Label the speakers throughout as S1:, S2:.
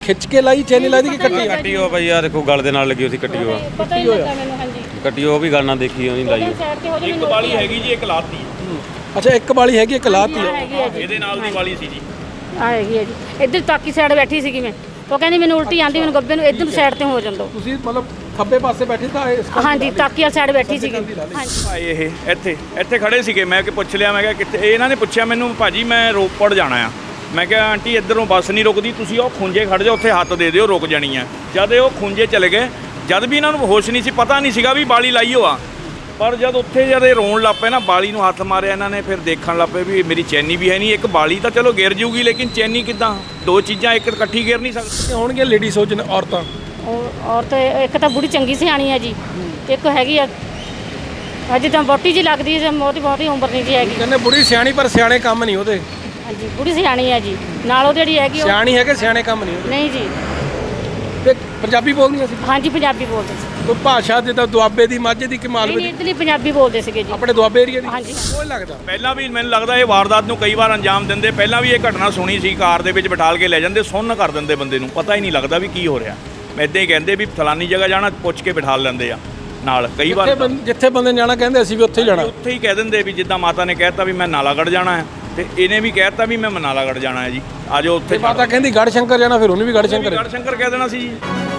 S1: खिच के लाई चैनी लाई थी कि कट्टी
S2: कट्टी हो भाई यार देखो गल दे नाल लगी उसी कट्टी हो
S3: ਪਤਾ ਹੀ ਲੱਗਾ ਮੈਨੂੰ ਹਾਂਜੀ
S2: कट्टी हो भी गल ना देखी नहीं लाई हो।
S3: ਸਾਈਡ ਤੇ ਹੋ ਜੀ
S4: ਇੱਕ ਵਾਲੀ ਹੈਗੀ ਜੀ ਇੱਕ ਲਾਤੀ
S1: अच्छा एक वाली हैगी एक लाती है
S3: ਹੈਗੀ ਹੈ ਜੀ
S4: ਇਹਦੇ ਨਾਲ ਦੀ ਵਾਲੀ ਸੀ ਜੀ
S3: ਆ ਹੈਗੀ ਹੈ ਜੀ ਇੱਧਰ ਤਾਕੀ ਸਾਈਡ ਬੈਠੀ ਸੀਗੀ ਮੈਂ ਉਹ ਕਹਿੰਦੀ ਮੈਨੂੰ ਉਲਟੀ ਆਂਦੀ ਮੈਨੂੰ ਗੱਬੇ ਨੂੰ ਇੱਧਰ ਸਾਈਡ ਤੇ ਹੋ ਜਾਂਦਾ
S1: ਤੁਸੀਂ ਮਤਲਬ ਖੱਬੇ ਪਾਸੇ ਬੈਠੇ ਤਾਂ ਇਸ
S3: ਹਾਂਜੀ ਤਾਕੀ ਵਾਲੀ ਸਾਈਡ ਬੈਠੀ ਸੀਗੀ ਹਾਂਜੀ
S4: ਭਾਈ ਇਹ ਇੱਥੇ ਖੜੇ ਸੀਗੇ ਮੈਂ ਕਿ ਪੁੱਛ ਲਿਆ ਮੈਂ ਕਿਹਾ ਕਿੱਥੇ ਇਹਨਾਂ ਨੇ ਪੁੱਛਿਆ ਮੈਨੂੰ ਭਾਜੀ ਮੈਂ ਰੋਪੜ ਜਾਣਾ ਆ ਮੈਂ ਕਿਹਾ ਆਂਟੀ ਇੱਧਰੋਂ ਬੱਸ ਨਹੀਂ ਰੁਕਦੀ ਤੁਸੀਂ ਉਹ ਖੁੰਝੇ ਖੜ ਜਾਓ ਉੱਥੇ ਹੱਥ ਦੇ ਦਿਓ ਰੁਕ ਜਾਣੀ ਆ ਜਦ ਉਹ ਖੁੰਝੇ ਚਲੇ ਗਏ ਜਦ ਵੀ ਇਹਨਾਂ ਨੂੰ ਹੋਸ਼ ਨਹੀਂ ਸੀ ਪਤਾ ਨਹੀਂ ਸੀਗਾ ਵੀ ਬਾਲੀ ਲਾਈ ਹੋਆ ਪਰ ਜਦ ਉੱਥੇ ਜਦ ਇਹ ਰੋਣ ਲੱਗ ਪਏ ਨਾ ਬਾਲੀ ਨੂੰ ਹੱਥ ਮਾਰਿਆ ਇਹਨਾਂ ਨੇ ਫਿਰ ਦੇਖਣ ਲੱਗ ਪਏ ਵੀ ਮੇਰੀ ਚੈਨੀ ਵੀ ਹੈ ਨਹੀਂ ਇੱਕ ਬਾਲੀ ਤਾਂ ਚਲੋ ਗਿਰ ਜੂਗੀ ਲੇਕਿਨ ਚੈਨੀ ਕਿੱਦਾਂ ਦੋ ਚੀਜ਼ਾਂ ਇੱਕ ਇਕੱਠੀ ਗਿਰ ਨਹੀਂ ਸਕਦੀ
S1: ਹੋਣਗੇ ਲੇਡੀ ਸੋਚਣ ਔਰਤਾਂ
S3: ਔਰਤ ਇੱਕ ਤਾਂ ਬੁੜੀ ਚੰਗੀ ਸਿਆਣੀ ਹੈ ਜੀ ਇੱਕ ਹੈਗੀ ਆ ਅਜੇ ਤਾਂ ਬੋਟੀ ਜੀ ਲੱਗਦੀ ਹੈ ਬਹੁਤੀ ਉਮਰ ਨਹੀਂ ਜੀ ਹੈਗੀ
S1: ਕਹਿੰਦੇ ਬੁੜੀ ਸਿਆਣੀ ਪਰ ਸਿਆਣੇ ਕੰਮ ਨਹੀਂ ਉਹਦੇ
S3: ਹਾਂਜੀ ਬੁੜੀ ਸਿਆਣੀ ਹੈ ਜੀ ਨਾਲ ਉਹ ਜਿਹੜੀ ਹੈਗੀ ਉਹ
S1: ਸਿਆਣੀ ਹੈ ਕਿ ਸਿਆਣੇ ਕੰਮ ਨਹੀਂ ਉਹਦੇ
S3: ਨਹੀਂ ਜੀ
S1: ਤੇ ਪੰਜਾਬੀ ਬੋਲਦੀਆਂ ਸੀ
S3: ਹਾਂਜੀ ਪੰਜਾਬੀ ਬੋਲਦੇ ਸੀ
S1: ਕੋਈ ਭਾਸ਼ਾ ਜਿੱਦਾਂ ਦੁਆਬੇ ਦੀ ਮਾਝੇ ਦੀ ਕਿ
S3: ਨਹੀਂ
S1: ਮਾਲਵੇ ਦੀ
S3: ਇਧਰਲੀ ਪੰਜਾਬੀ ਬੋਲਦੇ ਸੀਗੇ ਜੀ
S1: ਆਪਣੇ ਦੁਆਬੇ ਏਰੀਆ ਦੀ
S3: ਹਾਂਜੀ
S1: ਕੋਈ ਲੱਗਦਾ
S4: ਪਹਿਲਾਂ ਵੀ ਮੈਨੂੰ ਲੱਗਦਾ ਇਹ ਵਾਰਦਾਤ ਨੂੰ ਕਈ ਵਾਰ ਅੰਜਾਮ ਦਿੰਦੇ ਪਹਿਲਾਂ ਵੀ ਇਹ ਘਟਨਾ ਸੁਣੀ ਸੀ ਕਾਰ ਦੇ ਵਿੱਚ ਬਿਠਾਲ ਕੇ ਲੈ ਜਾਂਦੇ ਸੁੰਨ ਕਰ ਦਿੰਦੇ ਬੰਦੇ ਨੂੰ ਪਤਾ ਹੀ ਨਹੀਂ ਲੱਗਦਾ ਵੀ ਕੀ ਹੋ ਰਿਹਾ ਇੱਦਾਂ ਹੀ ਕਹਿੰਦੇ ਵੀ ਫਲਾਨੀ ਜਗ੍ਹਾ ਜਾਣਾ ਪੁੱਛ ਕੇ ਬਿਠਾਲ ਲੈਂਦੇ ਆ ਨਾਲ ਕਈ ਵਾਰ
S1: ਜਿੱਥੇ ਬੰਦੇ ਨੇ ਜਾਣਾ ਕਹਿੰਦੇ ਅਸੀਂ ਵੀ ਉੱਥੇ ਹੀ ਜਾਣਾ
S4: ਉੱਥੇ ਹੀ ਕਹਿ ਦਿੰਦੇ ਵੀ ਜਿੱਦਾਂ ਮਾਤਾ ਨੇ ਕਹਿਤਾ ਵੀ ਮੈਂ ਨਾਲਾਗੜ੍ਹ ਜਾਣਾ ਹੈ ਤੇ ਇਹਨੇ ਵੀ ਕਹਿਤਾ ਵੀ ਮੈਂ ਨਾਲਾਗੜ੍ਹ ਜਾਣਾ ਹੈ ਜੀ ਆਜੋ ਉੱਥੇ
S1: ਮਾਤਾ ਕਹਿੰਦੀ ਗੜ ਸ਼ੰਕਰ ਜਾਣਾ ਫਿਰ ਉਹਨੇ ਵੀ ਗੜ ਸ਼ੰਕਰ
S4: ਗੜ੍ਹ ਸ਼ੰਕਰ ਕਹਿ ਦੇਣਾ ਸੀ ਜੀ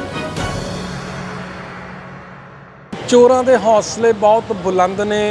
S1: ਚੋਰਾਂ ਦੇ ਹੌਸਲੇ ਬਹੁਤ ਬੁਲੰਦ ਨੇ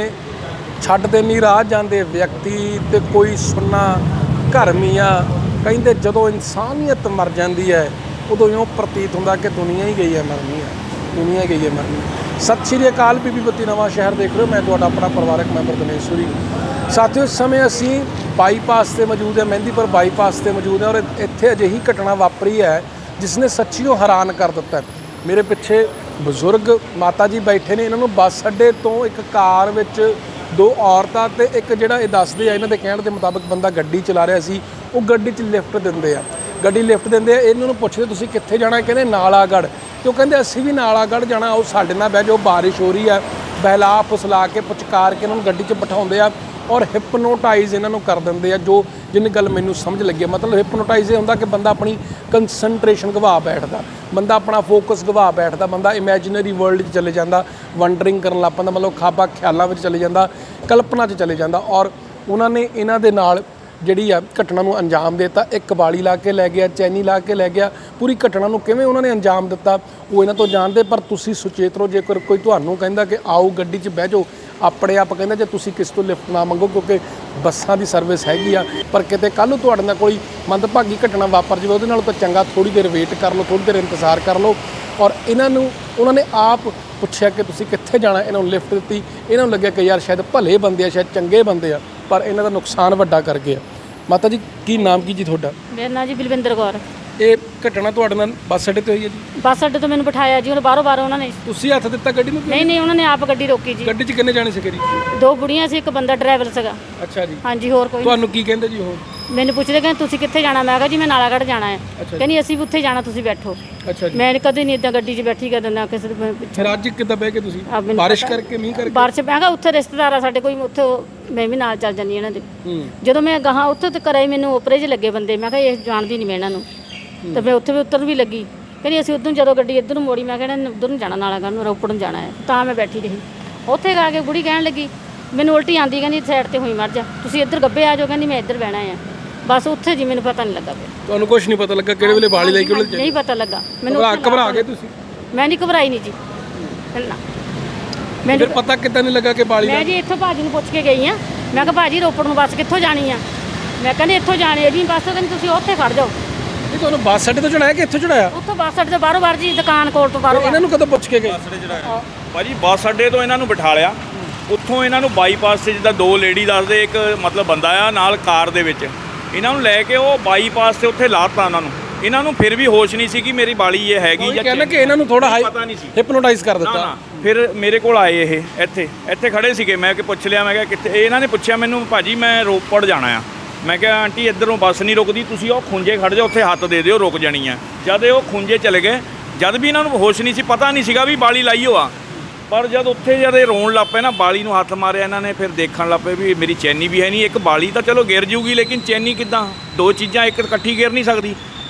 S1: ਛੱਡਦੇ ਨਹੀਂ ਰਾਹ ਜਾਂਦੇ ਵਿਅਕਤੀ ਤੇ ਕੋਈ ਸੁੰਨਾ ਘਰ ਮੀਆਂ ਕਹਿੰਦੇ ਜਦੋਂ ਇਨਸਾਨੀਅਤ ਮਰ ਜਾਂਦੀ ਹੈ ਉਦੋਂ ਇਉਂ ਪ੍ਰਤੀਤ ਹੁੰਦਾ ਕਿ ਦੁਨੀਆ ਹੀ ਗਈ ਹੈ ਮਰਨੀ ਹੈ ਦੁਨੀਆ ਗਈ ਹੈ ਮਰਨੀ ਸਤਿ ਸ਼੍ਰੀ ਅਕਾਲ ਬੀਬੀ ਬੱਤੀ ਨਵਾਂ ਸ਼ਹਿਰ ਦੇਖ ਰਹੇ ਹੋ ਮੈਂ ਤੁਹਾਡਾ ਆਪਣਾ ਪਰਿਵਾਰਕ ਮੈਂਬਰ ਦਿਨੇਸ਼ਵਰੀ ਸਾਥੀਓ ਇਸ ਸਮੇਂ ਅਸੀਂ ਬਾਈਪਾਸ ਤੇ ਮੌਜੂਦ ਹੈ ਮਹਿੰਦੀਪੁਰ ਬਾਈਪਾਸ ਤੇ ਮੌਜੂਦ ਹੈ ਔਰ ਇੱਥੇ ਅਜਿਹੀ ਘਟਨਾ ਵਾਪਰੀ ਹੈ ਜਿਸ ਨੇ ਸੱਚੀਓ ਹੈਰਾਨ ਕਰ ਦਿੱਤਾ ਹੈ। ਮੇਰੇ ਪਿੱਛੇ ਬਜ਼ੁਰਗ ਮਾਤਾ ਜੀ ਬੈਠੇ ਨੇ ਇਹਨਾਂ ਨੂੰ ਬੱਸ ਅੱਡੇ ਤੋਂ ਇੱਕ ਕਾਰ ਵਿੱਚ ਦੋ ਔਰਤਾਂ ਤੇ ਇੱਕ ਜਿਹੜਾ ਇਹ ਦੱਸਦੇ ਆ ਇਹਨਾਂ ਦੇ ਕਹਿਣ ਦੇ ਮੁਤਾਬਕ ਬੰਦਾ ਗੱਡੀ ਚਲਾ ਰਿਹਾ ਸੀ ਉਹ ਗੱਡੀ 'ਚ ਲਿਫਟ ਦਿੰਦੇ ਆ ਗੱਡੀ ਲਿਫਟ ਦਿੰਦੇ ਆ ਇਹਨਾਂ ਨੂੰ ਪੁੱਛਦੇ ਤੁਸੀਂ ਕਿੱਥੇ ਜਾਣਾ ਕਹਿੰਦੇ ਨਾਲਾਗੜ੍ਹ ਤੇ ਉਹ ਕਹਿੰਦੇ ਅਸੀਂ ਵੀ ਨਾਲਾਗੜ੍ਹ ਜਾਣਾ ਉਹ ਸਾਡੇ ਨਾਲ ਬਹਿ ਜਾਓ ਬਾਰਿਸ਼ ਹੋ ਰਹੀ ਹੈ ਬਹਿਲਾ ਫੁਸਲਾ ਕੇ ਪੁਚਕਾਰ ਕੇ ਇਹਨਾਂ ਨੂੰ ਗੱਡੀ 'ਚ ਬਿਠਾਉਂਦੇ ਆ ਔਰ ਹਿਪਨੋਟਾਈਜ਼ ਇਹਨਾਂ ਨੂੰ ਕਰ ਦਿੰਦੇ ਆ ਜੋ ਜਿੰਨੀ ਗੱਲ ਮੈਨੂੰ ਸਮਝ ਲੱਗੀ ਮਤਲਬ ਹਿਪਨੋਟਾਈਜ਼ ਇਹ ਹੁੰਦਾ ਕਿ ਬੰਦਾ ਆਪਣੀ ਕੰਸੈਂਟਰੇਸ਼ਨ ਗਵਾ ਬੈਠਦਾ ਬੰਦਾ ਆਪਣਾ ਫੋਕਸ ਗਵਾ ਬੈਠਦਾ ਬੰਦਾ ਇਮੈਜਿਨਰੀ ਵਰਲਡ 'ਚ ਚਲੇ ਜਾਂਦਾ ਵੰਡਰਿੰਗ ਕਰਨ ਲੱਗ ਪੈਂਦਾ ਮਤਲਬ ਖਾਬਾ ਖਿਆਲਾਂ ਵਿੱਚ ਚਲੇ ਜਾਂਦਾ ਕਲਪਨਾ 'ਚ ਚਲੇ ਜਾਂਦਾ ਔਰ ਉਹਨਾਂ ਨੇ ਇਹਨਾਂ ਦੇ ਨਾਲ ਜਿਹੜੀ ਆ ਘਟਨਾ ਨੂੰ ਅੰਜਾਮ ਦੇ ਦਿੱਤਾ ਇੱਕ ਵਾਲੀ ਲਾ ਕੇ ਲੈ ਗਿਆ ਚੈਨੀ ਲਾ ਕੇ ਲੈ ਗਿਆ ਪੂਰੀ ਘਟਨਾ ਨੂੰ ਕਿਵੇਂ ਉਹਨਾਂ ਨੇ ਅੰਜਾਮ ਦਿੱਤਾ ਉਹ ਇਹਨਾਂ ਤੋਂ ਜਾਣਦੇ ਪਰ ਤੁਸੀਂ ਸੁਚੇਤ ਰਹੋ ਜੇਕਰ ਕੋਈ ਤੁਹਾਨੂੰ ਕਹਿੰਦਾ ਕਿ ਆਓ ਗੱਡੀ 'ਚ ਬਹਿ ਜਾਓ ਆਪਣੇ ਆਪ ਕਹਿੰਦਾ ਜੇ ਤੁਸੀਂ ਕਿਸ ਤੋਂ ਲਿਫਟ ਨਾ ਮੰਗੋ ਕਿਉਂਕਿ ਬੱਸਾਂ ਦੀ ਸਰਵਿਸ ਹੈਗੀ ਆ ਪਰ ਕਿਤੇ ਕੱਲ੍ਹ ਨੂੰ ਤੁਹਾਡੇ ਨਾਲ ਕੋਈ ਮੰਦਭਾਗੀ ਘਟਨਾ ਵਾਪਰ ਜਾਵੇ ਉਹਦੇ ਨਾਲੋਂ ਤਾਂ ਚੰਗਾ ਥੋੜ੍ਹੀ ਦੇਰ ਵੇਟ ਕਰ ਲਓ ਥੋੜ੍ਹੀ ਦੇਰ ਇੰਤਜ਼ਾਰ ਕਰ ਲਓ ਔਰ ਇਹਨਾਂ ਨੂੰ ਉਹਨਾਂ ਨੇ ਆਪ ਪੁੱਛਿਆ ਕਿ ਤੁਸੀਂ ਕਿੱਥੇ ਜਾਣਾ ਇਹਨਾਂ ਨੂੰ ਲਿਫਟ ਦਿੱਤੀ ਇਹਨਾਂ ਨੂੰ ਲੱਗਿਆ ਕਿ ਯਾਰ ਸ਼ਾਇਦ ਭਲੇ ਬੰਦੇ ਆ ਸ਼ਾਇਦ ਚੰਗੇ ਬੰਦੇ ਆ ਪਰ ਇਹਨਾਂ ਦਾ ਨੁਕਸਾਨ ਵੱਡਾ ਕਰ ਗਏ ਆ ਮਾਤਾ ਜੀ ਕੀ ਨਾਮ ਕੀ ਜੀ ਤੁਹਾਡਾ
S3: ਮੇਰਾ ਨਾਂ ਜੀ ਬਲਵਿੰਦਰ ਕੌਰ
S1: ਇਹ ਘਟਨਾ ਤੁਹਾਡੇ ਨਾਲ ਬੱਸ ਅੱਡੇ ਤੇ ਹੋਈ ਹੈ ਜੀ
S3: ਬੱਸ ਅੱਡੇ ਤੋਂ ਮੈਨੂੰ ਬਿਠਾਇਆ ਜੀ ਹੁਣ ਬਾਹਰੋਂ ਉਹਨਾਂ ਨੇ
S1: ਤੁਸੀਂ ਹੱਥ ਦਿੱਤਾ ਗੱਡੀ ਨੂੰ
S3: ਨਹੀਂ ਉਹਨਾਂ ਨੇ ਆਪ ਗੱਡੀ ਰੋਕੀ ਜੀ
S1: ਗੱਡੀ 'ਚ ਕਿੰਨੇ ਜਾਣੇ ਸੀਗੇ ਜੀ
S3: ਦੋ ਬੁੜੀਆਂ ਸੀ ਇੱਕ ਬੰਦਾ ਡਰਾਈਵਰ ਸੀਗਾ
S1: ਅੱਛਾ ਜੀ
S3: ਹਾਂਜੀ ਹੋਰ ਕੋਈ
S1: ਤੁਹਾਨੂੰ ਕੀ ਕਹਿੰਦੇ ਜੀ ਉਹ
S3: ਮੈਨੂੰ ਪੁੱਛਦੇ ਕਹਿੰਦੇ ਤੁਸੀਂ ਕਿੱਥੇ ਜਾਣਾ ਮੈਂ ਕਿਹਾ ਜੀ ਮੈਂ ਨਾਲਾਗੜ੍ਹ ਜਾਣਾ ਹੈ ਕਹਿੰਦੀ ਅਸੀਂ ਵੀ ਉੱਥੇ ਜਾਣਾ ਤੁਸੀਂ ਬੈਠੋ
S1: ਅੱਛਾ ਜੀ
S3: ਮੈਂ ਕਦੇ ਨਹੀਂ ਇਦਾਂ ਗੱਡੀ 'ਚ ਬੈਠੀ ਕਦੇ ਨਾ ਕਿਸੇ ਦੇ
S1: ਫਿਰ ਅੱਜ ਕਿੱਦਾਂ ਬਹਿ ਕੇ ਤੁਸੀਂ
S3: ਮੈਨੂੰ
S1: ਬਾਰਿਸ਼ ਕਰਕੇ ਮੀਂਹ ਕਰਕੇ
S3: ਬਾਰਿਸ਼ ਮੈਂ ਕਿਹਾ ਉੱਥੇ ਰਿਸ਼ਤੇਦਾਰ ਆ ਸਾਡੇ ਕੋਈ ਉੱਥੇ ਮੈਂ ਵੀ ਨਾਲ ਚੱਲ ਜਾਂਦੀ ਇਹਨਾਂ ਦੇ ਜਦੋਂ ਮੈਂ ਗਾਹਾਂ ਉੱਥੇ ਤੇ ਕਰਾਈ ਮੈਨੂੰ ਓਪਰੇ 'ਚ ਲੱਗੇ ਬੰਦੇ ਮੈਂ ਕਿਹਾ ਇਹ ਜਾਣਦੀ ਨਹੀਂ ਮੈਂ ਇਹਨਾਂ ਨੂੰ ਤੇ ਮੈਂ ਉੱਥੇ ਵੀ ਉਤਰਨ ਵੀ ਲੱਗੀ ਕਹਿੰਦੀ ਅਸੀਂ ਉਦੋਂ ਜਦੋਂ ਗੱਡੀ ਇੱਧਰ ਨੂੰ ਮੋੜੀ ਮੈਂ ਕਹਿੰਦਾ ਉੱਧਰ ਨੂੰ ਜਾਣਾ ਨਾਲਾਗੜ੍ਹ ਨੂੰ ਰੋਪੜ ਨੂੰ ਜਾਣਾ ਹੈ ਤਾਂ ਮੈਂ ਬੈਠੀ ਰਹੀ ਉੱਥੇ ਗਾ ਕੇ ਬੁੜੀ ਕਹਿਣ ਲੱਗੀ ਮੈਨੂੰ ਉਲਟੀ ਆਂਦੀ ਕਹਿੰਦੀ ਸਾਈਡ ਤੇ ਹੋਈ ਮਰ ਜਾ ਤੁਸੀਂ ਇੱਧਰ ਗੱਬੇ ਆ ਜਾਓ ਕਹਿੰਦੀ ਮੈਂ ਇੱਧਰ ਬਹਿਣਾ ਆ ਬਸ ਉੱਥੇ ਜੀ ਮੈਨੂੰ ਪਤਾ ਨਹੀਂ ਲੱਗਾ ਫਿਰ
S1: ਤੁਹਾਨੂੰ ਕੁਝ ਨਹੀਂ ਪਤਾ ਲੱਗਾ ਕਿਹੜੇ ਵੇਲੇ ਬਾਲੀ ਲੈ ਕੇ ਉਹਨੇ
S3: ਨਹੀਂ ਪਤਾ ਲੱਗਾ ਮੈਨੂੰ
S1: ਘਬਰਾ ਗਏ ਤੁਸੀਂ
S3: ਮੈਂ ਨਹੀਂ ਘਬਰਾਈ ਨਹੀਂ ਜੀ ਨਾ
S1: ਮੈਨੂੰ ਪਤਾ ਕਿੱਦਾਂ ਨਹੀਂ ਲੱਗਾ ਕਿ ਬਾਲੀ
S3: ਮੈਂ ਜੀ ਇੱਥੋਂ ਭਾਜੀ ਨੂੰ ਪੁੱਛ ਕੇ ਗਈ ਆ ਮੈਂ ਕਿਹਾ ਭਾਜੀ ਰੋਪੜ ਨੂੰ ਬੱਸ ਕਿੱਥੋਂ ਜਾਣੀ ਆ ਮੈਂ ਕਹਿੰਦੀ ਇੱਥੋਂ ਜਾਣੀ ਹੈ ਜੀ ਬੱਸ ਕਹਿੰਦੀ ਤੁਸੀਂ ਉੱਥੇ ਖੜ ਜਾਓ
S1: ਇਹ ਤੁਹਾਨੂੰ ਬੱਸ ਅੱਡੇ ਤੋਂ ਚੜਾਇਆ ਕਿ ਇੱਥੋਂ ਚੜਾਇਆ
S3: ਉੱਥੋਂ ਬੱਸ ਅੱਡੇ ਤੋਂ ਬਾਹਰੋਂ ਬਾਹਰ ਜੀ ਦੁਕਾਨ ਕੋਲ ਤੋਂ ਬਾਹਰੋਂ
S1: ਇਹਨਾਂ ਨੂੰ ਕਦੋਂ ਪੁੱਛ ਕੇ ਗਏ
S4: ਭਾਜੀ ਬੱਸ ਅੱਡੇ ਤੋਂ ਇਹਨਾਂ ਨੂੰ ਬਿਠਾ ਲਿਆ ਉੱਥੋਂ ਇਹਨਾਂ ਨੂੰ ਬਾਈਪਾਸ ਤੇ ਜਿੱਦਾਂ ਦੋ ਲੇਡੀ ਦੱਸਦੇ ਇੱਕ ਮਤਲਬ ਬੰਦਾ ਆ ਨਾਲ ਕਾਰ ਦੇ ਵਿੱਚ ਇਹਨਾਂ ਨੂੰ ਲੈ ਕੇ ਉਹ ਬਾਈਪਾਸ ਤੇ ਉੱਥੇ ਲਾਤਾ ਉਹਨਾਂ ਨੂੰ ਇਹਨਾਂ ਨੂੰ ਫਿਰ ਵੀ ਹੋਸ਼ ਨਹੀਂ ਸੀ ਕਿ ਮੇਰੀ ਬਾਲੀ ਇਹ ਹੈਗੀ ਜਾਂ
S1: ਕਹਿੰਦਾ ਕਿ ਇਹਨਾਂ ਨੂੰ ਥੋੜਾ
S4: ਪਤਾ ਨਹੀਂ ਸੀ
S1: ਹਿਪਨੋਟਾਈਜ਼ ਕਰ ਦਿੱਤਾ
S4: ਫਿਰ ਮੇਰੇ ਕੋਲ ਆਏ ਇਹ ਇੱਥੇ ਖੜੇ ਸੀਗੇ ਮੈਂ ਕਿ ਪੁੱਛ ਲਿਆ ਮੈਂ ਕਿਹਾ ਕਿੱਥੇ ਇਹਨਾਂ ਨੇ ਪੁੱਛਿਆ ਮੈਨੂੰ ਭਾਜੀ ਮੈਂ ਰੋਪੜ ਜਾਣਾ ਆ ਮੈਂ ਕਿਹਾ ਆਂਟੀ ਇੱਧਰੋਂ ਬੱਸ ਨਹੀਂ ਰੁਕਦੀ ਤੁਸੀਂ ਉਹ ਖੁੰਝੇ ਖੜ ਜਾਓ ਉੱਥੇ ਹੱਥ ਦੇ ਦਿਓ ਰੁਕ ਜਾਣੀ ਆ ਜਦ ਉਹ ਖੁੰਝੇ ਚਲੇ ਗਏ ਜਦ ਵੀ ਇਹਨਾਂ ਨੂੰ ਹੋਸ਼ ਨਹੀਂ ਸੀ ਪਤਾ ਨਹੀਂ ਸੀਗਾ ਵੀ ਬਾਲੀ ਲਾਈ ਹੋਆ ਪਰ ਜਦ ਉੱਥੇ ਜਦ ਇਹ ਰੋਣ ਲੱਗ ਪਏ ਨਾ ਬਾਲੀ ਨੂੰ ਹੱਥ ਮਾਰਿਆ ਇਹਨਾਂ ਨੇ ਫਿਰ ਦੇਖਣ ਲੱਗ ਪਏ ਵੀ ਮੇਰੀ ਚੈਨੀ ਵੀ ਹੈ ਨਹੀਂ ਇੱਕ ਬਾਲੀ ਤਾਂ ਚਲੋ ਗਿਰ ਜੂਗੀ ਲੇਕਿਨ ਚੈਨੀ ਕਿੱਦਾਂ ਦੋ ਚੀਜ਼ਾਂ ਇੱਕ ਇਕੱਠੀ ਗਿਰ ਨਹੀਂ ਸਕਦੀ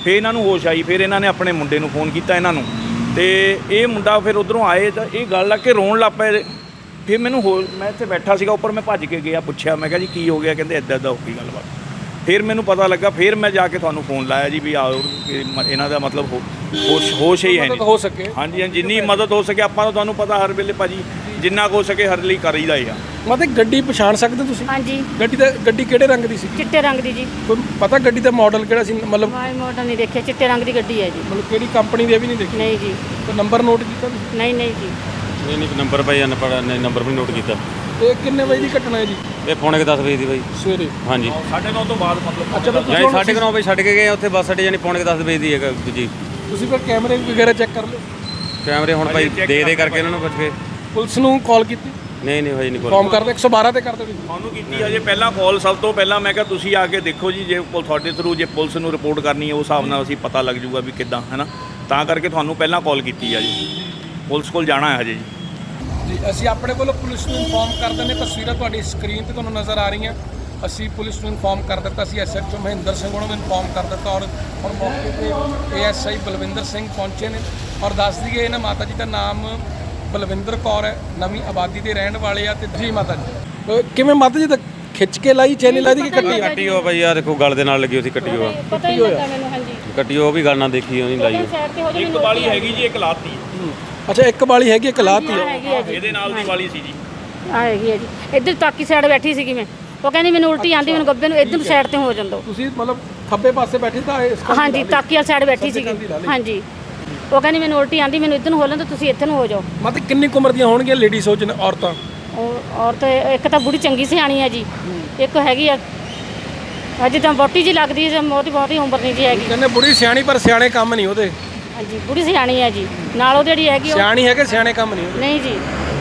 S4: ਫਿਰ ਇਹਨਾਂ ਨੂੰ ਹੋਸ਼ ਆਈ, ਫਿਰ ਇਹਨਾਂ ਨੇ ਆਪਣੇ ਮੁੰਡੇ ਨੂੰ ਫੋਨ ਕੀਤਾ ਇਹਨਾਂ ਨੂੰ, ਤੇ ਇਹ ਮੁੰਡਾ ਫਿਰ ਉਧਰੋਂ ਆਏ ਤਾਂ ਇਹ ਗੱਲ ਲਾ ਕੇ ਰੋਣ ਲੱਗ ਪਏ। ਫਿਰ ਮੈਨੂੰ ਮੈਂ ਇੱਥੇ ਬੈਠਾ ਸੀਗਾ ਉੱਪਰ, ਮੈਂ ਭੱਜ ਕੇ ਗਿਆ, ਪੁੱਛਿਆ, ਮੈਂ ਕਿਹਾ ਜੀ ਕੀ ਹੋ ਗਿਆ? ਕਹਿੰਦੇ ਇੱਦਾਂ ਇੱਦਾਂ ਹੋ ਗਈ ਗੱਲਬਾਤ। ਫਿਰ ਮੈਨੂੰ ਪਤਾ ਲੱਗਾ, ਫਿਰ ਮੈਂ ਜਾ ਕੇ ਤੁਹਾਨੂੰ ਫੋਨ ਲਾਇਆ ਜੀ ਵੀ ਆਓ, ਕਿ ਇਹਨਾਂ ਦਾ ਮਤਲਬ ਹੋਸ਼ ਹੀ ਹੈ ਨਹੀਂ।
S1: ਹੋ ਸਕੇ
S4: ਹਾਂਜੀ ਹਾਂਜੀ, ਜਿੰਨੀ ਮਦਦ ਹੋ ਸਕੇ ਆਪਾਂ ਤਾਂ ਤੁਹਾਨੂੰ ਪਤਾ ਹਰ ਵੇਲੇ ਭਾਜੀ ਜਿੰਨਾ ਕੁ ਹੋ ਸਕੇ ਹਰ ਲਈ ਕਰੀਦਾ ਹੀ ਆ।
S1: ਮਤਲਬ ਗੱਡੀ ਪਛਾਣ ਸਕਦੇ ਤੁਸੀਂ?
S3: ਹਾਂਜੀ।
S1: ਗੱਡੀ ਕਿਹੜੇ ਰੰਗ ਦੀ ਸੀ?
S3: ਚਿੱਟੇ ਰੰਗ ਦੀ ਜੀ।
S1: ਕੋਈ ਪਤਾ ਗੱਡੀ ਦਾ ਮਾਡਲ ਕਿਹੜਾ ਸੀ? ਮਤਲਬ
S3: ਮਾਡਲ ਨਹੀਂ ਦੇਖਿਆ, ਚਿੱਟੇ ਰੰਗ ਦੀ ਗੱਡੀ ਹੈ ਜੀ।
S1: ਮਤਲਬ ਕਿਹੜੀ ਕੰਪਨੀ ਦੀ ਇਹ ਵੀ ਨਹੀਂ ਦੇਖੀ?
S3: ਨਹੀਂ ਜੀ।
S1: ਕੋਈ ਨੰਬਰ ਨੋਟ ਕੀਤਾ ਤੁਸੀਂ?
S3: ਨਹੀਂ ਨਹੀਂ ਜੀ।
S2: ਨਹੀਂ ਨੰਬਰ ਭਾਈ ਨੰਬਰ ਵੀ ਨੋਟ ਕੀਤਾ।
S1: ਇਹ ਕਿੰਨੇ ਵਜੇ ਦੀ ਘਟਨਾ ਹੈ ਜੀ?
S2: ਇਹ ਪੌਣੇ 10 ਵਜੇ ਦੀ ਬਾਈ
S1: ਸਵੇਰੇ।
S2: ਹਾਂਜੀ
S4: 9:30 ਤੋਂ ਬਾਅਦ ਮਤਲਬ।
S1: ਅੱਛਾ,
S2: ਜਾਨੀ 9:30 ਵਜੇ ਛੱਡ ਕੇ ਗਏ ਉੱਥੇ ਬੱਸ ਅੱਡੇ, ਜਾਨੀ ਪੌਣੇ 10 ਵਜੇ ਦੀ ਹੈ ਦੂਜੀ।
S1: ਤੁਸੀਂ ਫਿਰ ਕੈਮਰੇ ਵਗੈਰਾ ਚੈੱਕ ਕਰ ਲਓ?
S2: ਕੈਮਰੇ ਹੁਣ ਭਾਈ ਦੇ ਕਰਕੇ ਇਹਨਾਂ ਨੂੰ ਪੁੱਛ ਕੇ।
S1: ਪੁਲਿਸ ਨੂੰ ਕਾਲ ਕੀਤੀ?
S2: ਨਹੀਂ ਹਜੇ ਨਹੀਂ
S1: ਫੋਨ ਕਰਦੇ 112 ਤੇ ਕਰਦੇ ਤੁਸੀਂ?
S4: ਤੁਹਾਨੂੰ ਕੀਤੀ ਹਜੇ ਪਹਿਲਾਂ ਕਾਲ, ਸਭ ਤੋਂ ਪਹਿਲਾਂ ਮੈਂ ਕਿਹਾ ਤੁਸੀਂ ਆ ਕੇ ਦੇਖੋ ਜੀ, ਜੇ ਤੁਹਾਡੇ ਥਰੂ ਜੇ ਪੁਲਿਸ ਨੂੰ ਰਿਪੋਰਟ ਕਰਨੀ ਹੈ ਉਸ ਹਿਸਾਬ ਨਾਲ ਅਸੀਂ ਪਤਾ ਲੱਗ ਜੂਗਾ ਵੀ ਕਿੱਦਾਂ, ਹੈ ਨਾ, ਤਾਂ ਕਰਕੇ ਤੁਹਾਨੂੰ ਪਹਿਲਾਂ ਕਾਲ ਕੀਤੀ ਆ ਜੀ। ਪੁਲਿਸ ਕੋਲ ਜਾਣਾ ਹੈ ਹਜੇ
S1: ਜੀ। ਅਸੀਂ ਆਪਣੇ ਵੱਲੋਂ ਪੁਲਿਸ ਨੂੰ ਇਨਫੋਰਮ ਕਰ ਦਿੰਦੇ, ਤਸਵੀਰਾਂ ਤੁਹਾਡੀ ਸਕਰੀਨ ਤੇ ਤੁਹਾਨੂੰ ਨਜ਼ਰ ਆ ਰਹੀਆਂ। ਅਸੀਂ ਪੁਲਿਸ ਨੂੰ ਇਨਫੋਰਮ ਕਰ ਦਿੱਤਾ, ਅਸੀਂ ਐਸਐਚਓ ਮਹਿੰਦਰ ਸਿੰਘ ਉਹਨਾਂ ਨੂੰ ਇਨਫੋਰਮ ਕਰ ਦਿੱਤਾ, ਔਰ ਹੁਣ ਮੌਕੇ ਤੇ ਏਐਸਆਈ ਬਲਵਿੰਦਰ ਸਿੰਘ ਪਹੁੰਚੇ ਨੇ। ਔਰ ਦੱਸ ਦਈਏ ਇਹਨਾਂ ਮਾਤਾ ਜੀ ਦਾ ਨਾਮ ਬਲਵਿੰਦਰ ਕੌਰ ਹੈ, ਨਵੀਂ ਆਬਾਦੀ ਦੇ ਰਹਿਣ ਵਾਲੇ ਆ। ਤੇ ਜੀ ਮਾਤਾ ਜੀ ਕਿਵੇਂ ਮਾਤਾ ਜੀ ਤਾਂ ਖਿੱਚ ਕੇ ਲਾਈ, ਚੈਨੀ ਲਾਈ ਦੀ ਕਿ
S2: ਕੱਟੀ ਹੋ ਭਾਈ, ਆ ਦੇਖੋ ਗਲ ਦੇ ਨਾਲ ਲੱਗੀ ਹੋਈ ਸੀ ਕੱਟੀ ਹੋ।
S3: ਪਤਾ ਹੀ ਲੱਗਾ ਮੈਨੂੰ। ਹਾਂਜੀ
S2: ਕੱਟੀ ਉਹ ਵੀ ਗੱਲ ਨਾ ਦੇਖੀ ਹੋਣੀ ਲਾਈ।
S3: ਸਾਈਡ ਤੇ ਹੋ ਜੀ।
S4: ਇੱਕ ਵਾਲੀ ਹੈਗੀ ਜੀ, ਇੱਕ ਲਾਤੀ।
S1: ਅੱਛਾ, ਇੱਕ ਵਾਲੀ ਹੈਗੀ, ਇੱਕ ਲਾਤੀ ਹੈ।
S3: ਹੈਗੀ ਹੈ ਜੀ।
S4: ਇਹਦੇ ਨਾਲ ਦੀ ਵਾਲੀ ਸੀ ਜੀ।
S3: ਆ ਹੈਗੀ ਹੈ ਜੀ। ਇੱਧਰ ਤਾਕੀ ਸਾਈਡ ਬੈਠੀ ਸੀਗੀ ਮੈਂ, ਉਹ ਕਹਿੰਦੀ ਮੈਨੂੰ ਉਲਟੀ ਆਂਦੀ, ਮੈਨੂੰ ਗੱਬੇ ਨੂੰ ਇੱਧਰ ਸਾਈਡ ਤੇ ਹੋ ਜਾਂਦਾ।
S1: ਤੁਸੀਂ ਮਤਲਬ ਖੱਬੇ ਪਾਸੇ ਬੈਠੇ ਤਾਂ
S3: ਹਾਂਜੀ, ਤਾਕੀ ਵਾਲੀ ਸਾਈਡ ਬੈਠੀ ਸੀਗੀ। ਹਾਂਜੀ, ਉਹ ਕਹਿੰਦੀ ਮੈਨੂੰ ਉਲਟੀ ਆਂਦੀ, ਮੈਨੂੰ ਇੱਧਰ ਨੂੰ ਹੋ ਲੈਂਦਾ, ਤੁਸੀਂ ਇੱਥੇ ਨੂੰ ਹੋ ਜਾਓ।
S1: ਮਤਲਬ ਕਿੰਨੀ ਕੁ ਉਮਰ ਦੀਆਂ ਹੋਣਗੀਆਂ ਲੇਡੀਜ਼ ਹੋ ਜਨ ਔਰਤਾਂ?
S3: ਔਰਤ ਇੱਕ ਤਾਂ ਬੁੜੀ ਚੰਗੀ ਸਿਆਣੀ ਹੈ ਜੀ, ਇੱਕ ਹੈਗੀ ਆ ਅਜੇ ਤਾਂ ਬੋਟੀ ਜੀ ਲੱਗਦੀ ਹੈ, ਬਹੁਤੀ ਉਮਰ ਨਹੀਂ ਜੀ ਹੈਗੀ।
S1: ਕਹਿੰਦੇ ਬੁੜੀ ਸਿਆਣੀ, ਪਰ ਸਿਆਣੇ ਕੰਮ ਨਹੀਂ ਉਹਦੇ।
S3: ਹਾਂਜੀ, ਬੁੜੀ ਸਿਆਣੀ ਹੈ ਜੀ, ਨਾਲ ਉਹ ਜਿਹੜੀ ਹੈਗੀ
S1: ਸਿਆਣੀ ਹੈ ਕਿ ਸਿਆਣੇ ਕੰਮ ਨਹੀਂ ਉਹਦੇ?
S3: ਨਹੀਂ ਜੀ।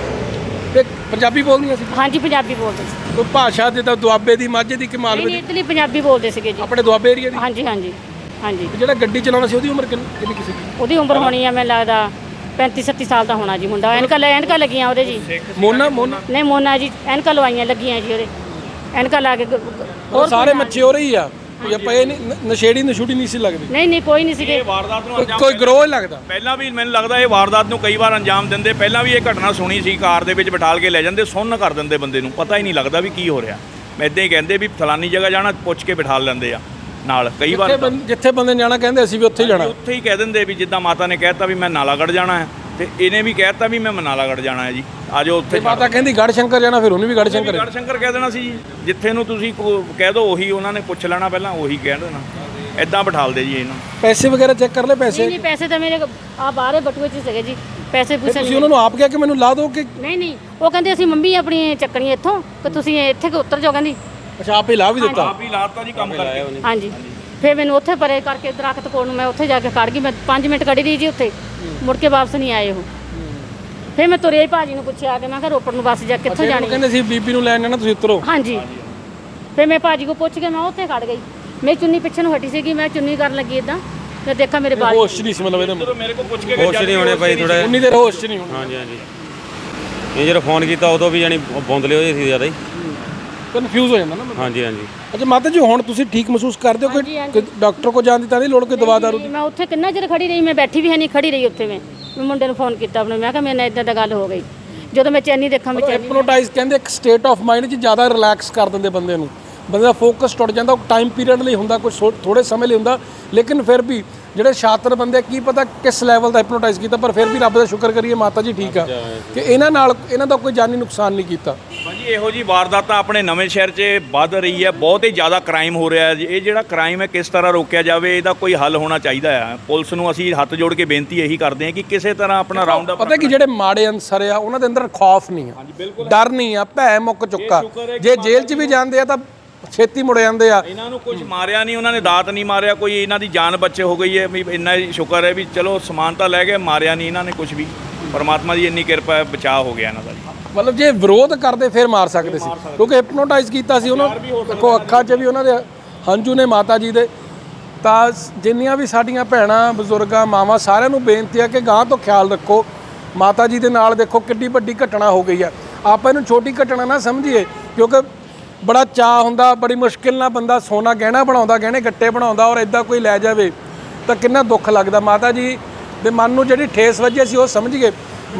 S1: ਤੇ ਪੰਜਾਬੀ ਬੋਲਦੀਆਂ ਸੀ?
S3: ਹਾਂਜੀ, ਪੰਜਾਬੀ ਬੋਲਦੇ ਸੀ।
S1: ਕੋਈ ਭਾਸ਼ਾ ਜਿੱਦਾਂ ਦੁਆਬੇ ਦੀ, ਮਾਝੇ ਦੀ ਕਿ ਮਾਲਵੇ
S3: ਨਹੀਂ, ਇੱਧਰਲੀ ਪੰਜਾਬੀ ਬੋਲਦੇ ਸੀਗੇ ਜੀ,
S1: ਆਪਣੇ ਦੁਆਬੇ ਏਰੀਆ ਦੀ?
S3: ਹਾਂਜੀ ਹਾਂਜੀ ਹਾਂਜੀ।
S1: ਜਿਹੜਾ ਗੱਡੀ ਚਲਾਉਂਦਾ ਸੀ ਉਹਦੀ ਉਮਰ ਕਿੰਨੀ ਕਿਸੇ ਦੀ?
S3: ਉਹਦੀ ਉਮਰ ਹੋਣੀ ਆ ਮੈਨੂੰ ਲੱਗਦਾ 35-37 ਸਾਲ ਦਾ ਹੋਣਾ ਜੀ ਮੁੰਡਾ। ਐਨਕਾਂ ਲੱਗੀਆਂ ਉਹਦੇ ਜੀ।
S1: ਮੋਨਾ
S3: ਨਹੀਂ, ਮੋਨਾ ਜੀ, ਐਨਕਾਂ ਲਵਾਈਆਂ ਲੱਗੀਆਂ ਜੀ ਉਹਦੇ, ਐਨਕਾਂ ਲਾ ਕੇ।
S1: ਉਹ ਸਾਰੇ ਮੱਛੇ ਹੋ ਰਹੀ ਆ, ਕੋਈ ਆਪਾਂ ਇਹ ਨਹੀਂ ਨਸ਼ੇੜੀ ਨਸ਼ੂੜੀ ਨਹੀਂ ਸੀ ਲੱਗਦੀ?
S3: ਨਹੀਂ ਕੋਈ ਨਹੀਂ ਸੀਗੇ।
S4: ਇਹ ਵਾਰਦਾਤ ਨੂੰ ਅੰਜਾਮ
S1: ਕੋਈ ਗਰੋਹ ਲੱਗਦਾ
S4: ਪਹਿਲਾਂ ਵੀ ਮੈਨੂੰ ਲੱਗਦਾ ਇਹ ਵਾਰਦਾਤ ਨੂੰ ਕਈ ਵਾਰ ਅੰਜਾਮ ਦਿੰਦੇ। ਪਹਿਲਾਂ ਵੀ ਇਹ ਘਟਨਾ ਸੁਣੀ ਸੀ, ਕਾਰ ਦੇ ਵਿੱਚ ਬਿਠਾਲ ਕੇ ਲੈ ਜਾਂਦੇ, ਸੁੰਨ ਕਰ ਦਿੰਦੇ ਬੰਦੇ ਨੂੰ, ਪਤਾ ਹੀ ਨਹੀਂ ਲੱਗਦਾ ਵੀ ਕੀ ਹੋ ਰਿਹਾ। ਮੈਂ ਇੱਦਾਂ ਹੀ ਕਹਿੰਦੇ ਵੀ ਫਲਾਨੀ ਜਗ੍ਹਾ ਜਾਣਾ, ਪੁੱਛ ਕੇ ਬਿਠਾਲ ਲੈਂਦੇ ਆ ਨਾਲ। ਕਈ ਵਾਰ
S1: ਜਿੱਥੇ ਬੰਦੇ ਜਾਣਾ ਕਹਿੰਦੇ ਅਸੀਂ ਵੀ ਉੱਥੇ ਜਾਣਾ,
S4: ਉੱਥੇ ਹੀ ਕਹਿ ਦਿੰਦੇ ਵੀ ਜਿੱਦਾਂ ਮਾਤਾ ਨੇ ਕਹਿਤਾ ਵੀ ਮੈਂ ਨਾਲਾਗੜ੍ਹ ਜਾਣਾ ਹੈ, ਤੇ ਇਹਨੇ ਵੀ ਕਹਿਤਾ ਵੀ ਮੈਂ ਨਾਲਾਗੜ੍ਹ ਜਾਣਾ ਹੈ ਜੀ, ਆਜੋ ਉੱਥੇ।
S1: ਮਾਤਾ ਕਹਿੰਦੀ ਗੜ੍ਹ ਸ਼ੰਕਰ ਜਾਣਾ, ਫਿਰ ਉਹਨੂੰ ਵੀ ਗੜ੍ਹ ਸ਼ੰਕਰ
S4: ਕਹਿ ਦੇਣਾ ਸੀ ਜੀ। ਜਿੱਥੇ ਨੂੰ ਤੁਸੀਂ ਕਹਿ ਦਿਓ ਉਹੀ ਉਹਨਾਂ ਨੇ ਪੁੱਛ ਲੈਣਾ, ਪਹਿਲਾਂ ਉਹੀ ਕਹਿ ਦੇਣਾ। ਇਦਾਂ ਬਿਠਾਲਦੇ ਜੀ ਇਹਨਾਂ।
S1: ਪੈਸੇ ਵਗੈਰਾ ਚੈੱਕ ਕਰ ਲੈ? ਪੈਸੇ
S3: ਨਹੀਂ, ਪੈਸੇ ਤਾਂ ਮੇਰੇ ਆ ਬਾਹਰੇ ਬਟੂਏ 'ਚ ਸੀਗੇ ਜੀ, ਪੈਸੇ ਪੂਸੇ
S1: ਤੁਸੀਂ ਉਹਨਾਂ ਨੂੰ ਆਪ ਕਿਹਾ ਕਿ ਮੈਨੂੰ ਲਾ ਦਿਓ ਕਿ?
S3: ਨਹੀਂ, ਉਹ ਕਹਿੰਦੇ ਅਸੀਂ ਮੰਮੀ ਆਪਣੀ ਚੱਕਣੀ ਇੱਥੋਂ, ਕਿ ਤੁਸੀਂ ਇੱਥੇ ਕਿ ਉੱਤਰ ਜਾਓ ਕਹਿੰਦੀ।
S1: ਅੱਛਾ, ਆਪ ਹੀ ਲਾ ਵੀ ਦਿੱਤਾ?
S4: ਆਪ ਹੀ ਲਾਤਾ ਜੀ ਕੰਮ ਕਰਕੇ।
S3: ਹਾਂਜੀ, ਫਿਰ ਮੈਨੂੰ ਉੱਥੇ ਪਰੇ ਕਰਕੇ ਦਰਖਤ ਕੋਲ ਨੂੰ ਮੈਂ ਉੱਥੇ ਜਾ ਕੇ ਖੜ ਗਈ। ਮੈਂ 5 ਮਿੰਟ ਖੜੀ ਰਹੀ ਜੀ ਉੱਥੇ, ਮੁੜ ਕੇ ਵਾਪਸ ਨਹੀਂ ਆਏ ਉਹ। ਫਿਰ ਮੈਂ ਤੁਰਿਆ ਹੀ ਭਾਜੀ ਨੂੰ ਪੁੱਛਿਆ ਕਿ ਮੈਂ ਕਿਹਾ ਰੋਪੜ ਨੂੰ ਬੱਸ ਜਾ ਕਿੱਥੋਂ ਜਾਣੀ?
S1: ਕਹਿੰਦੇ ਸੀ ਬੀਬੀ ਨੂੰ ਲੈਣ ਜਾਣਾ, ਤੁਸੀਂ ਉਤਰੋ।
S3: ਹਾਂਜੀ, ਫਿਰ ਮੈਂ ਭਾਜੀ ਕੋ ਪੁੱਛ ਕੇ ਮੈਂ ਉੱਥੇ ਖੜ ਗਈ। ਮੇਰੀ ਚੁੰਨੀ ਪਿੱਛੇ ਨੂੰ ਹਟੀ ਸੀਗੀ, ਮੈਂ ਚੁੰਨੀ ਕਰਨ ਲੱਗੀ ਇਦਾਂ, ਤੇ ਦੇਖਾ ਮੇਰੇ ਬਾਲ।
S1: ਹੋਸ਼ ਨਹੀਂ ਸੀ ਮਤਲਬ ਇਹਦੇ?
S4: ਮੇਰੇ ਕੋਲ ਪੁੱਛ ਕੇ
S2: ਹੋਸ਼ ਨਹੀਂ ਹੋਣੇ ਭਾਈ ਥੋੜਾ।
S1: ਉਨੀ ਦੇਰ ਹੋਸ਼ ਨਹੀਂ ਹੋਣੀ।
S2: ਹਾਂਜੀ ਇਹ ਜਦੋਂ ਫੋਨ ਕੀਤਾ ਉਦੋਂ ਵੀ ਜਾਨੀ ਬੌਂਦਲੇ ਹੋਏ ਸੀ ਜ਼ਿਆਦਾ ਹੀ,
S1: ਕਨਫਿਊਜ਼ ਹੋ ਜਾਂਦਾ ਨਾ।
S2: ਹਾਂਜੀ
S1: ਅੱਛਾ ਮਾਤਾ ਜੀ, ਹੁਣ ਤੁਸੀਂ ਠੀਕ ਮਹਿਸੂਸ ਕਰਦੇ ਹੋ? ਕੋਈ ਡਾਕਟਰ ਕੋ ਜਾਣ ਦੀ ਤਾਂ ਨਹੀਂ ਲੋੜ, ਕੋਈ ਦਵਾ ਦਾਰੂ?
S3: ਮੈਂ ਉੱਥੇ ਕਿੰਨਾ ਚਿਰ ਖੜੀ ਰਹੀ, ਮੈਂ ਬੈਠੀ ਵੀ ਹੈ ਨਹੀਂ, ਖੜੀ ਰਹੀ ਉੱਥੇ। ਮੈਂ ਮੁੰਡੇ ਨੂੰ ਫੋਨ ਕੀਤਾ ਆਪਣੇ, ਮੈਂ ਕਿਹਾ ਮੇਰੇ ਨਾਲ ਇਦਾਂ ਦਾ ਗੱਲ ਹੋ ਗਈ। ਜਦੋਂ ਮੈਂ ਚੈਨੀ ਦੇਖਾਂ, ਮੈਂ ਚੈਨੀ
S1: ਹਿਪਨੋਟਾਈਜ਼ ਕਹਿੰਦੇ ਇੱਕ ਸਟੇਟ ਆਫ ਮਾਈਂਡ 'ਚ ਜ਼ਿਆਦਾ ਰਿਲੈਕਸ ਕਰ ਦਿੰਦੇ ਬੰਦੇ ਨੂੰ, ਬੰਦੇ ਦਾ ਫੋਕਸ ਟੁੱਟ ਜਾਂਦਾ। ਉਹ ਟਾਈਮ ਪੀਰੀਅਡ ਲਈ ਹੁੰਦਾ, ਕੁਝ ਥੋੜੇ ਸਮੇਂ ਲਈ ਹੁੰਦਾ, ਲੇਕਿਨ ਫਿਰ ਵੀ ਜਿਹੜੇ ਸ਼ਾਤਰ ਬੰਦੇ ਕੀ ਪਤਾ ਕਿਸ ਲੈਵਲ ਦਾ ਹਿਪਨੋਟਾਈਜ਼ ਕੀਤਾ, ਪਰ ਫਿਰ ਵੀ ਰੱਬ ਦਾ ਸ਼ੁਕਰ ਕਰੀਏ ਮਾਤਾ ਜੀ ਠੀਕ ਆ ਕਿ ਇਹਨਾਂ ਦਾ ਕੋਈ ਜਾਨੀ ਨੁਕਸਾਨ ਨਹੀਂ ਕੀਤਾ।
S4: ਭਾਜੀ ਇਹੋ ਜੀ ਵਾਰਦਾਤਾਂ ਆਪਣੇ ਨਵੇਂ ਸ਼ਹਿਰ 'ਚ ਵੱਧ ਰਹੀ ਹੈ, ਬਹੁਤ ਹੀ ਜ਼ਿਆਦਾ ਕ੍ਰਾਈਮ ਹੋ ਰਿਹਾ ਹੈ ਜੀ। ਇਹ ਜਿਹੜਾ ਕ੍ਰਾਈਮ ਹੈ ਕਿਸ ਤਰ੍ਹਾਂ ਰੋਕਿਆ ਜਾਵੇ, ਇਹਦਾ ਕੋਈ ਹੱਲ ਹੋਣਾ ਚਾਹੀਦਾ ਹੈ। ਪੁਲਿਸ ਨੂੰ ਅਸੀਂ ਹੱਥ ਜੋੜ ਕੇ ਬੇਨਤੀ ਇਹੀ ਕਰਦੇ ਹਾਂ ਕਿ ਕਿਸੇ ਤਰ੍ਹਾਂ ਆਪਣਾ ਰਾਉਂਡ ਅਪ।
S1: ਪਤਾ ਕਿ ਜਿਹੜੇ ਮਾੜੇ ਅਨਸਰ ਆ ਉਹਨਾਂ ਦੇ ਅੰਦਰ ਖੌਫ ਨਹੀਂ ਆ, ਡਰ ਨਹੀਂ ਆ, ਭੈ ਮੁੱਕ ਚੁੱਕਾ। ਜੇ ਜੇਲ੍ਹ 'ਚ ਵੀ ਜਾਂਦੇ ਆ ਤਾਂ ਛੇਤੀ ਮੁੜ ਜਾਂਦੇ ਆ।
S4: ਇਹਨਾਂ ਨੂੰ ਕੁਝ ਮਾਰਿਆ ਨਹੀਂ, ਉਹਨਾਂ ਨੇ ਦਾਤ ਨਹੀਂ ਮਾਰਿਆ, ਕੋਈ ਇਹਨਾਂ ਦੀ ਜਾਨ ਬੱਚੇ ਹੋ ਗਈ ਹੈ ਵੀ ਇੰਨਾ ਹੀ ਸ਼ੁਕਰ ਹੈ ਵੀ ਚਲੋ ਸਮਾਨ ਤਾਂ ਲੈ ਗਏ, ਮਾਰਿਆ ਨਹੀਂ ਇਹਨਾਂ ਨੇ ਕੁਝ ਵੀ। ਪਰਮਾਤਮਾ ਦੀ ਇੰਨੀ ਕਿਰਪਾ ਹੈ, ਬਚਾਅ ਹੋ ਗਿਆ ਇਹਨਾਂ ਦਾ ਜੀ।
S1: ਮਤਲਬ ਜੇ ਵਿਰੋਧ ਕਰਦੇ ਫਿਰ ਮਾਰ ਸਕਦੇ ਸੀ, ਕਿਉਂਕਿ ਹਿਪਨੋਟਾਈਜ਼ ਕੀਤਾ ਸੀ ਉਹਨਾਂ। ਦੇਖੋ ਅੱਖਾਂ 'ਚ ਵੀ ਉਹਨਾਂ ਦੇ ਹੰਝੂ ਨੇ ਮਾਤਾ ਜੀ ਦੇ। ਤਾਂ ਜਿੰਨੀਆਂ ਵੀ ਸਾਡੀਆਂ ਭੈਣਾਂ, ਬਜ਼ੁਰਗਾਂ, ਮਾਵਾਂ, ਸਾਰਿਆਂ ਨੂੰ ਬੇਨਤੀ ਹੈ ਕਿ ਗਾਂ ਤੋਂ ਖਿਆਲ ਰੱਖੋ। ਮਾਤਾ ਜੀ ਦੇ ਨਾਲ ਦੇਖੋ ਕਿੱਡੀ ਵੱਡੀ ਘਟਨਾ ਹੋ ਗਈ ਆ। ਆਪਾਂ ਇਹਨੂੰ ਛੋਟੀ ਘਟਨਾ ਨਾ ਸਮਝੀਏ, ਕਿਉਂਕਿ ਬੜਾ ਚਾਅ ਹੁੰਦਾ, ਬੜੀ ਮੁਸ਼ਕਿਲ ਨਾਲ ਬੰਦਾ ਸੋਨਾ ਗਹਿਣਾ ਬਣਾਉਂਦਾ, ਗਹਿਣੇ ਗੱਟੇ ਬਣਾਉਂਦਾ, ਔਰ ਇਦਾਂ ਕੋਈ ਲੈ ਜਾਵੇ ਤਾਂ ਕਿੰਨਾ ਦੁੱਖ ਲੱਗਦਾ। ਮਾਤਾ ਜੀ ਦੇ ਮਨ ਨੂੰ ਜਿਹੜੀ ਠੇਸ ਵੱਜੀ ਸੀ ਉਹ ਸਮਝ ਗਏ।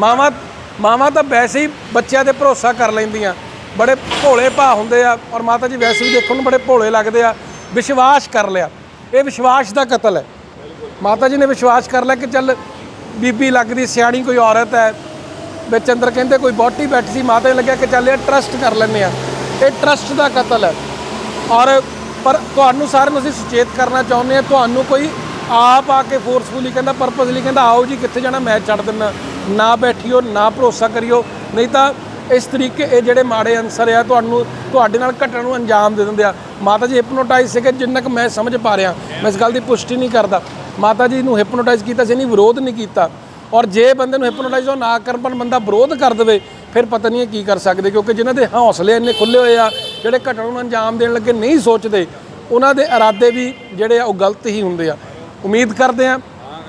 S1: ਮਾਵਾਂ ਤਾਂ ਵੈਸੇ ਹੀ ਬੱਚਿਆਂ ਤੇ ਭਰੋਸਾ ਕਰ ਲੈਂਦੀਆਂ, ਬੜੇ ਭੋਲੇ ਭਾਅ ਹੁੰਦੇ ਆ, ਔਰ ਮਾਤਾ ਜੀ ਵੈਸੇ ਵੀ ਦੇਖਣ ਨੂੰ ਬੜੇ ਭੋਲੇ ਲੱਗਦੇ ਆ। ਵਿਸ਼ਵਾਸ ਕਰ ਲਿਆ, ਇਹ ਵਿਸ਼ਵਾਸ ਦਾ ਕਤਲ ਹੈ। ਮਾਤਾ ਜੀ ਨੇ ਵਿਸ਼ਵਾਸ ਕਰ ਲਿਆ ਕਿ ਚੱਲ ਬੀਬੀ ਲੱਗਦੀ ਸਿਆਣੀ ਕੋਈ ਔਰਤ ਹੈ, ਵਿੱਚ ਅੰਦਰ ਕਹਿੰਦੇ ਕੋਈ ਬੋਟੀ ਬੈਠੀ ਸੀ, ਮਾਤਾ ਜੀ ਲੱਗਿਆ ਕਿ ਚੱਲ ਇਹ ਟਰਸਟ ਕਰ ਲੈਂਦੇ ਆ। ਇਹ ਟਰਸਟ ਦਾ ਕਤਲ ਹੈ। ਔਰ ਪਰ ਤੁਹਾਨੂੰ ਸਾਰਿਆਂ ਨੂੰ ਅਸੀਂ ਸੁਚੇਤ ਕਰਨਾ ਚਾਹੁੰਦੇ ਹਾਂ, ਤੁਹਾਨੂੰ ਕੋਈ ਆਪ ਆ ਕੇ ਫੋਰਸਫੁਲੀ ਕਹਿੰਦਾ, ਪਰਪਸਲੀ ਕਹਿੰਦਾ ਆਓ ਜੀ ਕਿੱਥੇ ਜਾਣਾ ਮੈਂ ਛੱਡ ਦਿੰਦਾ, ਨਾ ਬੈਠਿਓ, ਨਾ ਭਰੋਸਾ ਕਰਿਓ, ਨਹੀਂ ਤਾਂ ਇਸ ਤਰੀਕੇ ਇਹ ਜਿਹੜੇ ਮਾੜੇ ਅਨਸਰ ਆ ਤੁਹਾਡੇ ਨਾਲ ਘਟਨਾ ਨੂੰ ਅੰਜਾਮ ਦੇ ਦਿੰਦੇ ਆ। ਮਾਤਾ ਜੀ ਹਿਪਨੋਟਾਈਜ਼ ਸੀਗੇ, ਜਿੰਨਾ ਕੁ ਮੈਂ ਸਮਝ ਪਾ ਰਿਹਾ, ਮੈਂ ਇਸ ਗੱਲ ਦੀ ਪੁਸ਼ਟੀ ਨਹੀਂ ਕਰਦਾ। ਮਾਤਾ ਜੀ ਨੂੰ ਹਿਪਨੋਟਾਈਜ਼ ਕੀਤਾ ਸੀ, ਨਹੀਂ ਵਿਰੋਧ ਨਹੀਂ ਕੀਤਾ। ਔਰ ਜੇ ਬੰਦੇ ਨੂੰ ਹਿਪਨੋਟਾਈਜ਼ ਉਹ ਨਾ ਕਰਨ ਪਰ ਬੰਦਾ ਵਿਰੋਧ ਕਰ ਦੇਵੇ, ਫਿਰ ਪਤਾ ਨਹੀਂ ਕੀ ਕਰ ਸਕਦੇ, ਕਿਉਂਕਿ ਜਿਨ੍ਹਾਂ ਦੇ ਹੌਸਲੇ ਇੰਨੇ ਖੁੱਲੇ ਹੋਏ ਆ, ਜਿਹੜੇ ਘਟਨਾ ਨੂੰ ਅੰਜਾਮ ਦੇਣ ਲੱਗੇ ਨਹੀਂ ਸੋਚਦੇ, ਉਹਨਾਂ ਦੇ ਇਰਾਦੇ ਵੀ ਜਿਹੜੇ ਆ ਉਹ ਗਲਤ ਹੀ ਹੁੰਦੇ ਆ। ਉਮੀਦ ਕਰਦੇ ਆ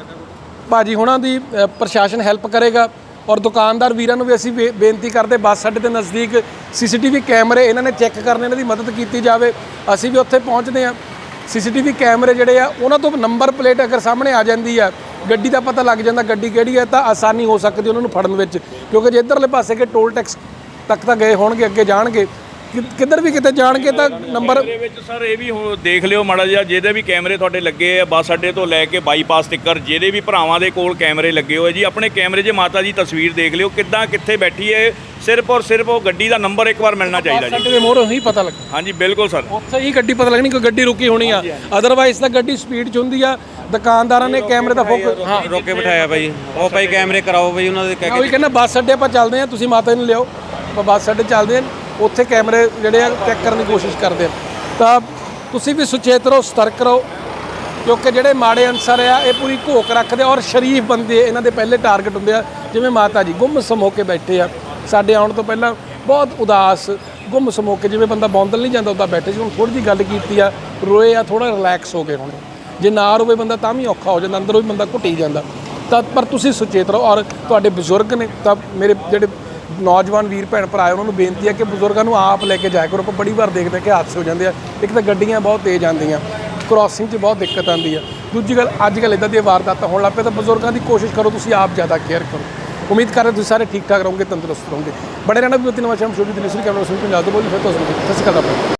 S1: ਭਾਜੀ ਹੁਣਾਂ ਦੀ ਪ੍ਰਸ਼ਾਸਨ ਹੈਲਪ ਕਰੇਗਾ। ਔਰ ਦੁਕਾਨਦਾਰ ਵੀਰਾਂ ਨੂੰ ਵੀ ਅਸੀਂ ਬੇਨਤੀ ਕਰਦੇ, ਬੱਸ ਅੱਡੇ ਦੇ ਨਜ਼ਦੀਕ CCTV ਕੈਮਰੇ ਇਹਨਾਂ ਨੇ ਚੈੱਕ ਕਰਨੇ, ਇਹਨਾਂ ਦੀ ਮਦਦ ਕੀਤੀ ਜਾਵੇ। ਅਸੀਂ ਵੀ ਉੱਥੇ ਪਹੁੰਚਦੇ ਹਾਂ। CCTV ਕੈਮਰੇ ਜਿਹੜੇ ਆ ਉਹਨਾਂ ਤੋਂ ਨੰਬਰ ਪਲੇਟ ਅਗਰ ਸਾਹਮਣੇ ਆ ਜਾਂਦੀ ਆ, ਗੱਡੀ ਦਾ ਪਤਾ ਲੱਗ ਜਾਂਦਾ ਗੱਡੀ ਕਿਹੜੀ ਹੈ, ਤਾਂ ਆਸਾਨੀ ਹੋ ਸਕਦੀ ਉਹਨਾਂ ਨੂੰ ਫੜਨ ਵਿੱਚ, ਕਿਉਂਕਿ ਜੇ ਇੱਧਰਲੇ ਪਾਸੇ ਕਿ ਟੋਲ ਟੈਕਸ ਤੱਕ ਤਾਂ ਗਏ ਹੋਣਗੇ, ਅੱਗੇ ਜਾਣਗੇ, ਕਿੱਧਰ ਵੀ ਕਿਤੇ ਜਾਣਗੇ ਤਾਂ ਨੰਬਰ
S4: ਦੇ ਵਿੱਚ ਸਰ ਇਹ ਵੀ ਦੇਖ ਲਿਓ ਮਾੜਾ ਜਿਹਾ, ਜਿਹਦੇ ਵੀ ਕੈਮਰੇ ਤੁਹਾਡੇ ਲੱਗੇ ਆ ਬੱਸ ਅੱਡੇ ਤੋਂ ਲੈ ਕੇ ਬਾਈਪਾਸ ਤੱਕ, ਜਿਹਦੇ ਵੀ ਭਰਾਵਾਂ ਦੇ ਕੋਲ ਕੈਮਰੇ ਲੱਗੇ ਹੋਏ ਜੀ, ਆਪਣੇ ਕੈਮਰੇ 'ਚ ਮਾਤਾ ਜੀ ਤਸਵੀਰ ਦੇਖ ਲਿਓ ਕਿੱਦਾਂ ਕਿੱਥੇ ਬੈਠੀ ਹੈ, ਸਿਰਫ ਔਰ ਸਿਰਫ ਉਹ ਗੱਡੀ ਦਾ ਨੰਬਰ ਇੱਕ ਵਾਰ ਮਿਲਣਾ ਚਾਹੀਦਾ ਜੀ।
S1: ਸਾਡੇ ਦੇ ਮੋਹਰੋਂ ਹੀ ਪਤਾ ਲੱਗ,
S4: ਹਾਂਜੀ ਬਿਲਕੁਲ ਸਰ,
S1: ਉੱਥੇ ਹੀ ਗੱਡੀ ਪਤਾ ਲੱਗਣੀ ਕੋਈ ਗੱਡੀ ਰੁਕੀ ਹੋਣੀ ਆ, ਅਦਰਵਾਈਜ਼ ਤਾਂ ਗੱਡੀ ਸਪੀਡ 'ਚ ਹੁੰਦੀ ਆ। ਦੁਕਾਨਦਾਰਾਂ ਨੇ ਕੈਮਰੇ ਦਾ ਫੋਕਸ
S2: ਰੋਕ ਕੇ ਬਿਠਾਇਆ ਭਾਈ, ਉਹ ਭਾਈ ਕੈਮਰੇ ਕਰਾਓ ਭਾਈ ਉਹਨਾਂ ਦੇ ਕਹਿ
S1: ਉਹੀ ਕਹਿੰਦਾ ਬੱਸ ਅੱਡੇ ਆਪਾਂ ਚੱਲਦੇ ਆ, ਤੁਸੀਂ ਮਾਤਾ ਨੂੰ ਲਿਆਓ, ਆਪਾਂ ਬੱਸ ਅੱਡੇ ਚੱਲਦੇ ਆ, ਉੱਥੇ ਕੈਮਰੇ ਜਿਹੜੇ ਆ ਚੈੱਕ ਕਰਨ ਦੀ ਕੋਸ਼ਿਸ਼ ਕਰਦੇ ਆ। ਤਾਂ ਤੁਸੀਂ ਵੀ ਸੁਚੇਤ ਰਹੋ, ਸਤਰਕ ਰਹੋ, ਕਿਉਂਕਿ ਜਿਹੜੇ ਮਾੜੇ ਅਨਸਰ ਆ ਇਹ ਪੂਰੀ ਘੋਖ ਰੱਖਦੇ ਔਰ ਸ਼ਰੀਫ ਬੰਦੇ ਇਹਨਾਂ ਦੇ ਪਹਿਲੇ ਟਾਰਗੇਟ ਹੁੰਦੇ ਆ। ਜਿਵੇਂ ਮਾਤਾ ਜੀ ਗੁੰਮਸਮ ਹੋ ਕੇ ਬੈਠੇ ਆ, ਸਾਡੇ ਆਉਣ ਤੋਂ ਪਹਿਲਾਂ ਬਹੁਤ ਉਦਾਸ ਗੁੰਮਸਮ ਹੋ ਕੇ, ਜਿਵੇਂ ਬੰਦਾ ਬੌਂਦਲ ਨਹੀਂ ਜਾਂਦਾ ਉੱਦਾਂ ਬੈਠੇ ਸੀ। ਹੁਣ ਥੋੜ੍ਹੀ ਜਿਹੀ ਗੱਲ ਕੀਤੀ ਆ, ਰੋਏ ਆ, ਥੋੜ੍ਹਾ ਰਿਲੈਕਸ ਹੋ ਗਏ ਹੁਣ। ਜੇ ਨਾ ਰੋਵੇ ਬੰਦਾ ਤਾਂ ਵੀ ਔਖਾ ਹੋ ਜਾਂਦਾ, ਅੰਦਰੋਂ ਵੀ ਬੰਦਾ ਘੁੱਟੀ ਜਾਂਦਾ। ਤਾਂ ਪਰ ਤੁਸੀਂ ਸੁਚੇਤ ਰਹੋ। ਔਰ ਤੁਹਾਡੇ ਬਜ਼ੁਰਗ ਨੇ, ਤਾਂ ਮੇਰੇ ਜਿਹੜੇ ਨੌਜਵਾਨ ਵੀਰ ਭੈਣ ਭਰਾ ਉਹਨਾਂ ਨੂੰ ਬੇਨਤੀ ਹੈ ਕਿ ਬਜ਼ੁਰਗਾਂ ਨੂੰ ਆਪ ਲੈ ਕੇ ਜਾਇਆ ਕਰੋ। ਆਪਾਂ ਬੜੀ ਵਾਰ ਦੇਖਦੇ ਕਿ ਹਾਦਸੇ ਹੋ ਜਾਂਦੇ ਆ, ਇੱਕ ਤਾਂ ਗੱਡੀਆਂ ਬਹੁਤ ਤੇਜ਼ ਆਉਂਦੀਆਂ, ਕ੍ਰਾਸਿੰਗ 'ਚ ਬਹੁਤ ਦਿੱਕਤ ਆਉਂਦੀ ਆ, ਦੂਜੀ ਗੱਲ ਅੱਜ ਕੱਲ੍ਹ ਇੱਦਾਂ ਦੀਆਂ ਵਾਰਦਾਤਾਂ ਹੋਣ ਲੱਗ ਪਏ, ਤਾਂ ਬਜ਼ੁਰਗਾਂ ਦੀ ਕੋਸ਼ਿਸ਼ ਕਰੋ ਤੁਸੀਂ ਆਪ ਜ਼ਿਆਦਾ ਕੇਅਰ ਕਰੋ। ਉਮੀਦ ਕਰ ਰਹੇ ਤੁਸੀਂ ਸਾਰੇ ਠੀਕ ਠਾਕ ਰਹੋਗੇ, ਤੰਦਰੁਸਤ ਰਹੋਗੇ। ਬੜੇ ਰਹਿਣਾ ਵੀ ਨਵਾਂ ਸ਼ਾਮ ਸ਼ੁਰੂ ਦੀ ਨਿਸਰੀ ਕੈਮਰਾ ਸੁਣ ਪੰਜਾਬ ਤੋਂ ਬੋਲੀ ਫਿਰ ਤੋਂ ਸਤਿ ਸ਼੍ਰੀ ਅਕਾਲ।